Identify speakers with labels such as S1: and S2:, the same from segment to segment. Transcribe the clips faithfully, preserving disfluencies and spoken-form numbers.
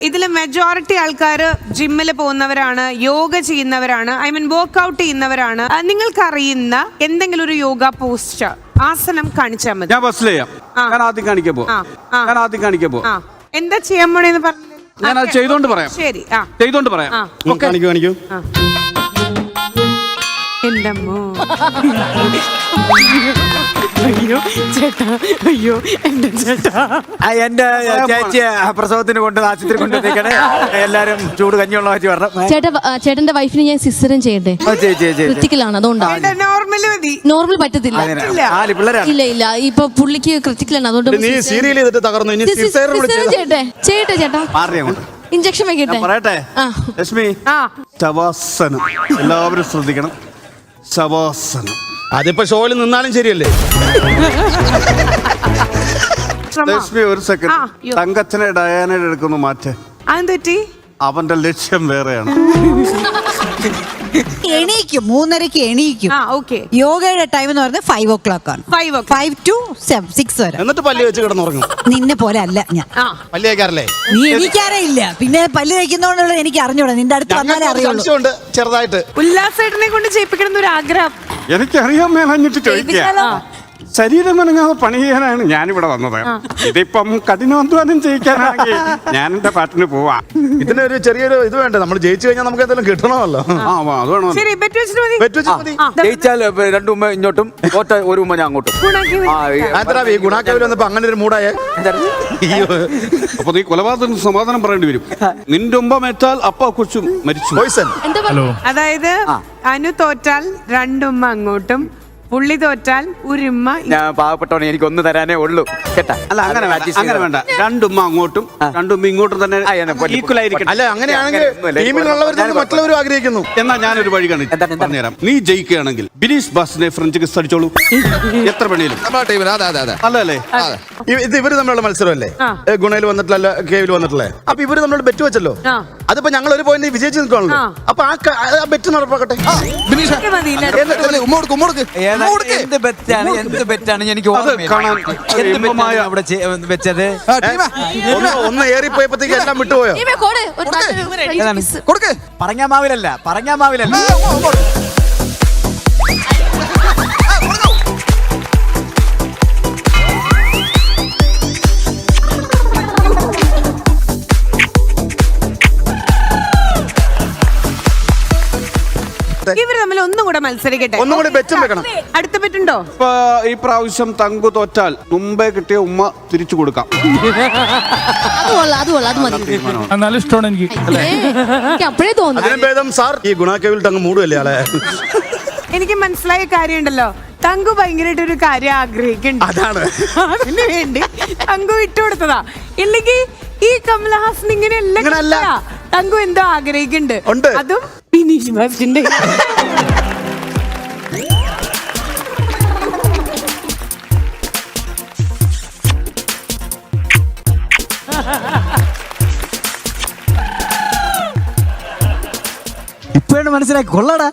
S1: ഇതിൽ മെജോറിറ്റി ആൾക്കാർ ജിമ്മിൽ പോകുന്നവരാണ്, യോഗ ചെയ്യുന്നവരാണ്, ഐ മീൻ വർക്ക്ഔട്ട് ചെയ്യുന്നവരാണ്. നിങ്ങൾക്ക് അറിയുന്ന എന്തെങ്കിലും ഒരു യോഗ പോസ്റ്റർ ആസനം കാണിച്ചാൽ മതി.
S2: ഞാൻ ബസ്സിൽ ചെയ്യാം. ഞാൻ ആദ്യം കാണിക്കാൻ പോ ഞാൻ ആദ്യം കാണിക്കാൻ പോ
S1: എന്താ ചെയ്യാൻ പോണേന്ന് പറഞ്ഞു.
S2: ഞാൻ അത് ചെയ്തോണ്ട് പറയാം.
S1: ശരി,
S2: ചെയ്തോണ്ട് പറയാം.
S3: കാണിക്കൂ കാണിക്കൂ.
S1: എന്തമ്മോ അയ്യോ ചേട്ടാ, അയ്യോ എന്റെ ചേട്ടാ,
S3: എന്റെ ചേച്ചി പ്രസവത്തിന് കൊണ്ട് ആശുപത്രി കൊണ്ടുവന്നേക്കണേ. എല്ലാരും ചൂട് കഞ്ഞിയുള്ള മാറ്റി പറഞ്ഞു.
S4: ചേട്ടാ, ചേട്ടന്റെ വൈഫിന് ഞാൻ സിസ്റ്ററും ചെയ്യട്ടെ. ക്രിറ്റിക്കലാണ്, അതുകൊണ്ടാണ്.
S1: നോർമൽ മതി.
S4: നോർമൽ പറ്റത്തില്ല. ഇല്ല ഇല്ല, ഇപ്പൊ പുള്ളിക്ക് ക്രിറ്റിക്കലാണ്, അതുകൊണ്ട്
S3: നീ സീരിയൽ ചെയ്തിട്ട് തകർന്നു. ഇനി
S4: ചെയ്യട്ടെ ചെയ്യട്ടെ ചേട്ടാ. ഇഞ്ചക്ഷൻ വെക്കട്ടെ.
S2: പറയട്ടെ ലക്ഷ്മി, ശവാസനം എല്ലാവരും ശ്രദ്ധിക്കണം. ശവാസനം
S3: അതിപ്പോ ഷോയിൽ നിന്നാലും ശരിയല്ലേ?
S2: ലക്ഷ്മി ഒരു സെക്കൻഡ്. തങ്കച്ചനെ ഡയാനയുടെ എടുക്കുന്നു മാറ്റേ.
S1: അതെന്തുപറ്റി?
S2: അവന്റെ ലക്ഷ്യം വേറെയാണ്.
S5: എണീക്കും, മൂന്നരക്ക് എണീക്കും. യോഗയുടെ ടൈം എന്ന് പറയുന്നത് ഫൈവ് ഓ ക്ലോക്ക് ആണ്. ഫൈവ് ടു സിക്സ് വരെ.
S3: എന്നിട്ട് പല്ല് വെച്ച് കിടന്നുറങ്ങും.
S5: നിന്നെ പോലെ അല്ല ഞാൻ.
S3: പല്ല് തേക്കാറില്ലേ?
S5: നീ എണീക്കാറേ ഇല്ല. പിന്നെ പല്ല് തേക്കുന്നോണ്ടുള്ള എനിക്ക് അറിഞ്ഞൂടാ. നിന്റെ അടുത്ത് വന്നാലേ അറിയുള്ളൂ.
S3: ചെറുതായിട്ട്
S1: ഉല്ലാസേട്ടനെ കൊണ്ട് ചെയ്യിപ്പിക്കണം എന്നൊരു ആഗ്രഹം.
S2: എനിക്കറിയാൻ മേലഞ്ഞിട്ട് ചോദിക്കാം. ശരീരം അനങ്ങാതെ പണി ചെയ്യാനാണ് ഞാനിവിടെ വന്നത്. ഇതിപ്പം കഠിനാധ്വാനം ചെയ്യിക്കാനാണെങ്കിൽ ഞാൻ എന്റെ പാട്ടിന് പോവാ.
S3: ഇതിനൊരു ചെറിയൊരു ഇത് വേണ്ട. നമ്മൾ ജയിച്ചു കഴിഞ്ഞാൽ നമുക്ക് എന്തെങ്കിലും കിട്ടണമല്ലോ.
S6: ജയിച്ചാൽ രണ്ടു ഉമ്മ ഇങ്ങോട്ടും, തോറ്റ ഒരു ഉമ്മ ഞാൻ അങ്ങോട്ടും.
S3: ഈ ഗുണാക്കവിൽ വന്നപ്പോ അങ്ങനെ ഒരു മൂടായ.
S2: അപ്പൊ നീ കൊലപാതകത്തിന് സമാധാനം പറയേണ്ടി വരും. നിന്റെ ഉമ്പ മേറ്റാൽ അപ്പ കൊച്ചും മരിച്ചു.
S1: അതായത് അനു തോറ്റാൽ രണ്ടുമ്മ അങ്ങോട്ടും, പുള്ളി തോറ്റാൽ ഒരുമ്മ.
S6: ഞാൻ പാവപ്പെട്ടവനെ, എനിക്ക് ഒന്ന് തരാനേ ഉള്ളൂ കേട്ടാ.
S2: അല്ല അങ്ങനെ അങ്ങനെ വേണ്ട. രണ്ടുമ്മ അങ്ങോട്ടും രണ്ടുമ്മ ഇങ്ങോട്ടും തന്നെ ഈക്വൽ ആയിരിക്കും.
S3: അല്ല അങ്ങനെയാണെങ്കിൽ ടീമിലുള്ളവർ മറ്റുള്ളവരും ആഗ്രഹിക്കുന്നു.
S2: എന്നാ ഞാനൊരു വഴി പറഞ്ഞുതരാം. നീ ജയിക്കുകയാണെങ്കിൽ ബിനീഷ് ബാസിനെ ഫ്രഞ്ച് കിസ് അടിച്ചോളൂ. എത്ര പണിയിലും അല്ലേ?
S3: ഇത് ഇവര് തമ്മിലുള്ള മത്സരമല്ലേ? ഗുണയിൽ വന്നിട്ടില്ല, കേവിൽ വന്നിട്ടില്ലേ? അപ്പൊ ഇവര് നമ്മളോട് ബെറ്റ് വെച്ചല്ലോ. അതിപ്പോ ഞങ്ങൾ ഒരു പോയിന്റ് വിജയിച്ച് നിൽക്കുകയാണല്ലോ. അപ്പൊ ആ ബെറ്റ് നടപ്പാക്കട്ടെ.
S6: എന്ത് ബെറ്റാണ് എന്ത് ബെറ്റാണ് എനിക്ക് അവിടെ വെച്ചത്?
S3: ഒന്ന് ഏറിപ്പോയപ്പോഴത്തേക്ക് എല്ലാം വിട്ടുപോയോ?
S6: കൊടുക്ക്. പറഞ്ഞാമാവിലല്ല, പറഞ്ഞാമാവിലല്ല.
S1: ഇവര് തമ്മിൽ ഒന്നും കൂടെ മത്സരിക്കട്ടെ.
S3: ഒന്നും കൂടി ബെറ്റും വെക്കണം.
S1: അടുത്ത ബെറ്റുണ്ടോ?
S2: ഈ പ്രാവശ്യം തങ്കു തോറ്റാൽ മുമ്പേ കിട്ടിയ ഉമ്മ തിരിച്ചു കൊടുക്കാം.
S7: നല്ല ഇഷ്ടമാണ് എനിക്ക്.
S4: അപ്പോഴേ തോന്നുന്നു
S3: സാർ ഈ ഗുണാക്കവിൽ തങ്ങ് മൂടുമല്ലേ ആളെ.
S1: എനിക്ക് മനസ്സിലായ കാര്യമുണ്ടല്ലോ, തങ്കു ഭയങ്കരമായിട്ട് ഒരു കാര്യം ആഗ്രഹിക്കുന്നുണ്ട്.
S3: അതാണ്
S1: അതിന് വേണ്ടി തങ്കു വിട്ടുകൊടുത്തതാ. ഇല്ലെങ്കിൽ ഈ കമലഹാസൻ ഇങ്ങനെയല്ല. തങ്കു എന്തോ ആഗ്രഹിക്കുന്നുണ്ട്. അതും ബിനീഷ് ബാസിന്റെ.
S6: ഇപ്പോഴാണ് മനസ്സിലായി. കൊള്ളടാ.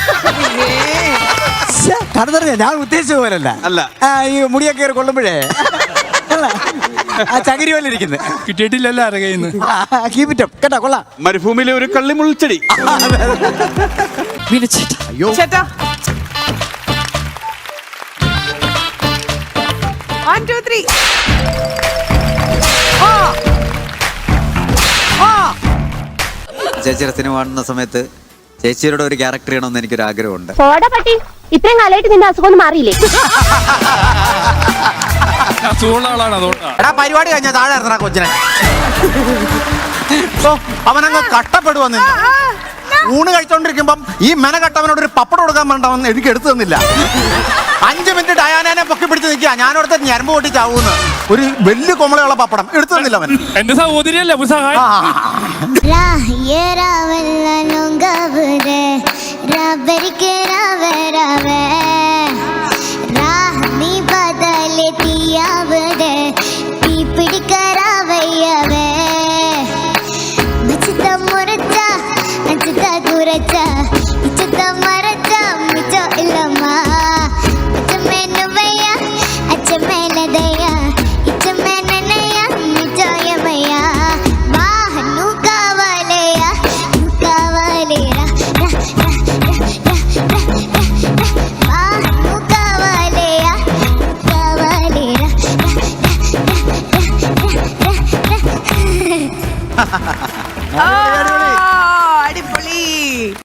S6: കടന്നറിഞ്ഞ ഞാൻ ഉദ്ദേശിച്ച പോലല്ല.
S2: അല്ല,
S6: ഈ മുടിയൊക്കെ കയറി കൊള്ളുമ്പോഴേ ആ ചകിരി പോലെ ഇരിക്കുന്നത്
S7: കിട്ടിയിട്ടില്ലല്ലോ അറിയുന്നു.
S6: കേട്ടാ കൊള്ളാം.
S2: മരുഭൂമിയിലെ ഒരു കള്ളിമുൾച്ചെടി.
S1: ചേട്ടാ വൺ ടു ത്രീ.
S6: ചേച്ചിയുടെ സിനിമ കാണുന്ന സമയത്ത് ചേച്ചിയുടെ ഒരു ക്യാരക്ടർ ചെയ്യണമെന്ന് എനിക്കൊരു ആഗ്രഹമുണ്ട്.
S8: ഇത്രയും കാലമായിട്ട് നിന്റെ അസുഖം മാറിയില്ലേ?
S6: എടാ പരിപാടി കഴിഞ്ഞാ താഴെ ഇറങ്ങാ കൊച്ചിനെ. അവനങ്ങ് കട്ടപ്പെടുവന്ന്. ഊണ് കഴിച്ചോണ്ടിരിക്കുമ്പം ഈ മെനകെട്ടവനോട് ഒരു പപ്പടം കൊടുക്കാൻ വേണ്ടവന്ന് എനിക്ക് എടുത്തു തന്നില്ല. അഞ്ചു മിനിറ്റ് ഡയാനെ പൊക്കി പിടിച്ച് നിൽക്കുക. ഞാനോടത്തെ ഞരമ്പ് പൊട്ടി ചാവൂന്ന്. ഒരു വലിയ കൊമളയുള്ള പപ്പടം എടുത്തു തന്നില്ല അവൻ.
S7: എന്റെ സഹോദരിയല്ലേ
S8: Daya, it's a man and I am, it's a Yamaya.
S1: ആ, അടിപൊളി